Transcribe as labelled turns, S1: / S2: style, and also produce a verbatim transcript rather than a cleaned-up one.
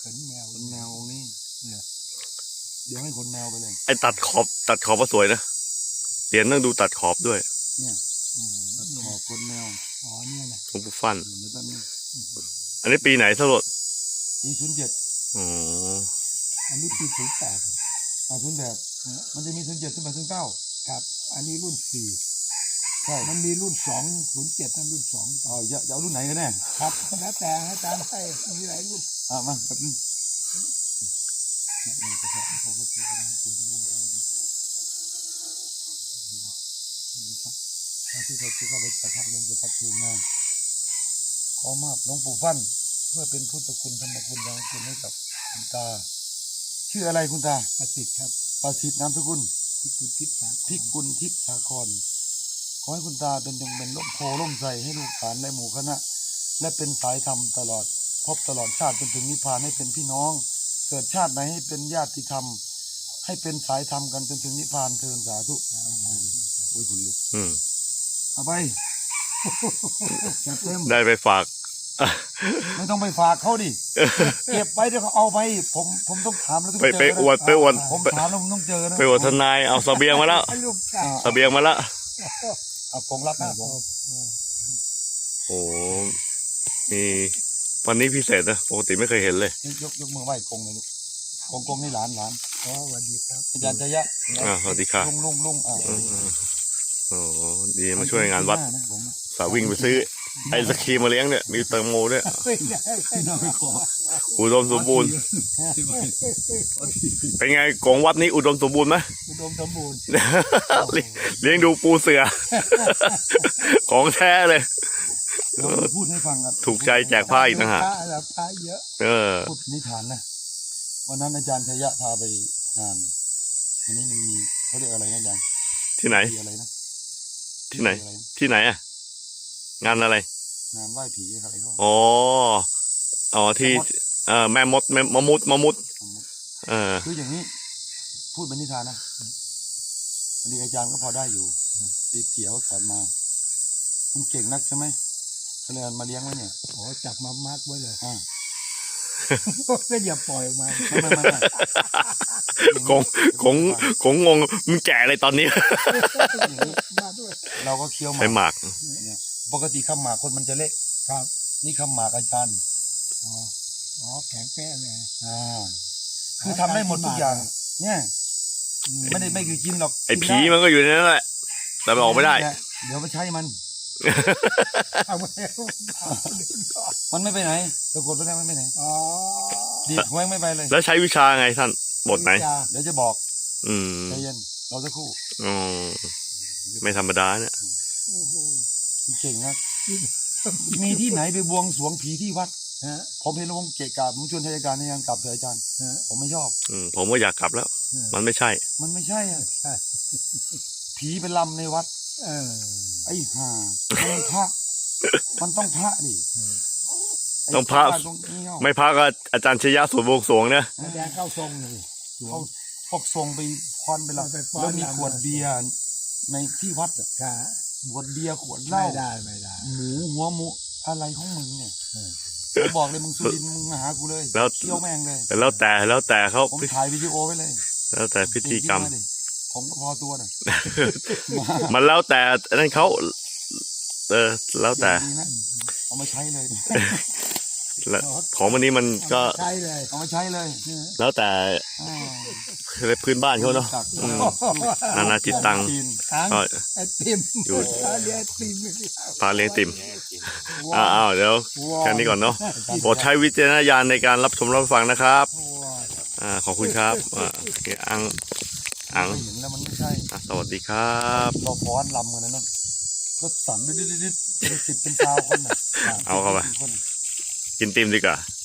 S1: ขนแมวขนแมวองค์นี้เนี่ยเดี๋ยวให้ขนแมวไปเลย
S2: ไอ้ตัดขอบตัดขอบก็สวยนะเหรียญต้องดูตัดขอบด้วย
S1: เนี่ยตัดขอบขนแมวอ๋อเนี่ยนะ
S2: หลวงปู่ฟั่น
S1: เดี๋ยวตอนนี้
S2: อันนี้ปีไหนสรุป
S1: ปีศูนย์เจ็ด
S2: อ๋อ
S1: อันนี้ปีศูนย์แปดอ่าศูนย์แปดมันจะมีศูนย์เจ็ดศูนย์แปดศูนย์เก้าครับอันนี้รุ่นสี่ใช่มันมีรุ่นสองศูนย์เจ็ดนั่นรุ่นสองอ๋อจะจะเอารุ่นไหนกันแน่ครับแล้วแต่อาจารย์ให้มีหลายรุ่นอ่ามาแบบนี้นี่จะใช้เขาก็จะได้คุณผู้ชมที่เขาที่เขาไปประทับลงจะพัฒนางานขอมอบหลวงปู่ฟั่นเพื่อเป็นพุทธคุณธรรมคุณยังคุณให้กับคุณตาชื่ออะไรคุณตาประสิทธิ์ครับประสิทธิ์นามสกุลพิกุลทิพย์พิกุลทิพย์สาครขอให้คุณตาเป็นยังเป็นล่มโพล่มใสให้ลูกหลานและหมู่คณะและเป็นสายธรรมตลอดพบตลอดชาติจนถึงนิพพานให้เป็นพี่น้องเกิดชาติไหนให้เป็นญาติธรรมให้เป็นสายธรรมกันจนถึงนิพพานเทินสาธุโอ้ยคุณลูก
S2: อืม
S1: เอาไป
S2: ได้ไปฝาก
S1: ไม่ต้องไปฝากเขาดิเก็บไปเดี๋ยวเขาเอาไปผมผมต้องถามแล้วต้อง
S2: ไป
S1: เจอ
S2: ไปอวดไปอวด
S1: ผมถามแล้วผมต้องเจอนะ
S2: ไปอวดทนายเอาเสบียงมาแล้วเสบียงมาแล้ว
S1: เอาผมรับนะผม
S2: โอ้นี่วันนี้พิเศษนะปกติไม่เคยเห็นเลย
S1: ยกยกมือไหว้กงเลยลูกกงกงนี่หลานหลานอ๋อสวัสดีครับอาจารย์ชยะ
S2: อ่าสวัสดีค่ะ
S1: ลุงลุงลุงอ่า
S2: โอ้ดีมาช่วยงานวัดสาววิ่งไปซื้อไอศครีมมาเลี้ยงเนี่ยมีแตงโมด้วยอุดมสมบูรณ์เป็นไงกองวัดนี้อุดมสมบูรณ์ไหม
S1: อุดมสมบูรณ์
S2: เลี้ยงดูปูเสือของแท้เลย
S1: พูดให้ฟังครับ
S2: ถูกใจแจกผ้าอีกนะฮะ
S1: ผ้าเยอะเออพูดนิทานนะวันนั้นอาจารย์ชยะพาไปงานอันนี้มันมีเขาเรียกอะไรนะอาจารย์
S2: ที่ไหน
S1: อะไรนะ
S2: ที่ไหนที่ไหนอ่ะงานอะไร
S1: งานไหว้ผีอะไรเขา
S2: อ๋ออ๋อที่เอ่อแม่มดแม่มมุดมมุดเออ
S1: คืออย่างนี้พูดเป็นนิทานนะอันนี้อาจารย์ก็พอได้อยู่ตีเถียวสอนมาคุณเก่งนักใช่ไหมเขาเลยมาเลี้ยงไว้เนี่ยโอ้จับมามัดไว้เลยอ่าก็อย่าปล่อยมาไม่ไม่ไม่
S2: คงคงคงงงมึงแก่อะไรตอนนี้
S1: เราก็เคี้ยวหมาก
S2: ใช้หมาก
S1: ปกติข้าวหมากคนมันจะเละครับนี่ข้าวหมากอาจารย์อ๋ออ๋อแข็งแป้เลยอ่าคือทำได้หมดทุกอย่างเนี่ยไม่ได้ไม่คือกินหรอก
S2: ไอ้ผีมันก็อยู่ในนั้นแหละแต่มันออกไม่ได้
S1: เดี๋ยวมาใช้มันมันไม่ไปไหนตะกดไปไหนไม่ไปไหนอ๋อดีดแหวงไม่ไปเลย
S2: แล้วใช้วิชาไงท่านบทไหน
S1: เดี๋ยวจะบอก
S2: อืม
S1: ใจเย็นเราจะคู่
S2: อ๋อไม่ธรรมดาเนี่ย
S1: เก่งนะมีที่ไหนไปบวงสรวงผีที่วัดผมเห็นแล้วผมเกะกะผมชวนทายการในยังกลับเถอะอาจารย์ผมไม่ชอบ
S2: อืมผมก็อยากกลับแล้วมันไม่ใช่
S1: มันไม่ใช่อ่ะผีเป็นลำในวัดเออไอ้ห่ามันพระมันต้องพระดิ
S2: ต้องพระไม่พระก็อาจารย์ชยะสวดบวงสรวงเนี่ย
S1: แดงเข้าทรงเลยเขาพวกทรงไปพรไปแล้วแล้วมีขวดเบียร์ในที่วัดอ่ะขวดเบียร์ขวดเหล้าไม่ได้ไม่ได้หมูหัวหมูอะไรของมึงเนี่ยผมบอกเลยมึงสุรินมึงมาหากูเลย
S2: แล้ว
S1: เที่ยวแม่งเลย
S2: แล้วแต่แล้วแต่เขา
S1: ผมถ่ายวิดีโอไว้เลย
S2: แล้วแต่พิธีกรรม
S1: ผมก็พอตัวน่ะ
S2: มันแล้วแต่นั่นเขาเออแล้วแต่
S1: เอามาใช้เลย
S2: แล้วของวันนี้มันก็
S1: ใช้เลยเอามาใช้เลย
S2: แล้วแต่พื้นบ้านเขาเนาะนานาจิตตังก็อยู่พาเลี้ยงติ่มอ้าวเดี๋ยวแค่นี้ก่อนเนาะโปรดใช้วิจารณญาณในการรับชมรับฟังนะครับอ่าขอบคุณครับอังอัง
S1: เห็นแล้วมันไม่ใช่
S2: สวัสดีครับ
S1: เราฟ้อนลำกันนะเนาะก็สั่นดิดดิดเป็นสิบเป็นสาวคนน่ะ
S2: เอาเข้าไปกินติ่มดีกว่า